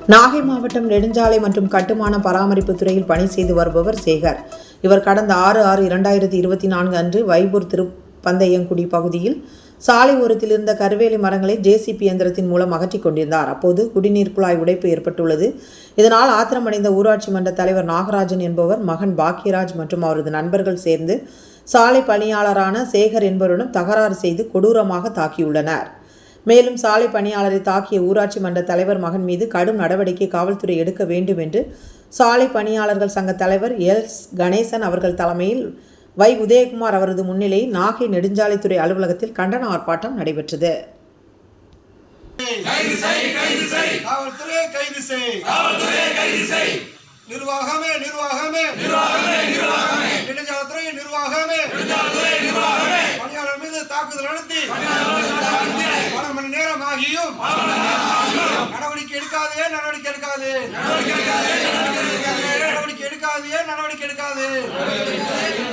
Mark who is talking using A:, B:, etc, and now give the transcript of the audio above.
A: நாகை மாவட்டம் நெடுஞ்சாலை மற்றும் கட்டுமான பராமரிப்பு துறையில் பணி செய்து வருபவர் சேகர். இவர் கடந்த 6/6/2024 அன்று வைபூர் திருப்பந்தையங்குடி பகுதியில் சாலை ஓரத்தில் இருந்த கருவேலி மரங்களை ஜேசிபி இயந்திரத்தின் மூலம் அகற்றிக் கொண்டிருந்தார். அப்போது குடிநீர் குழாய் உடைப்பு ஏற்பட்டுள்ளது. இதனால் ஆத்திரமடைந்த ஊராட்சி மன்ற தலைவர் நாகராஜன் என்பவர் மகன் பாக்கியராஜ் மற்றும் அவரது நண்பர்கள் சேர்ந்து சாலை பணியாளரான சேகர் என்பவரிடம் தகராறு செய்து கொடூரமாக தாக்கியுள்ளனர். மேலும் சாலை பணியாளரை தாக்கிய ஊராட்சி மன்ற தலைவர் மகன் மீது கடும் நடவடிக்கை காவல்துறை எடுக்க வேண்டும் என்று சாலை பணியாளர்கள் சங்க தலைவர் எஸ் கணேசன் அவர்கள் தலைமையில் வை உதயகுமார் அவரது முன்னிலையில் நாகை நெடுஞ்சாலைத்துறை அலுவலகத்தில் கண்டன ஆர்ப்பாட்டம் நடைபெற்றது.
B: தாக்குதல் நடத்தி பல மணி நேரம் ஆகியும் நடவடிக்கை எடுக்காதே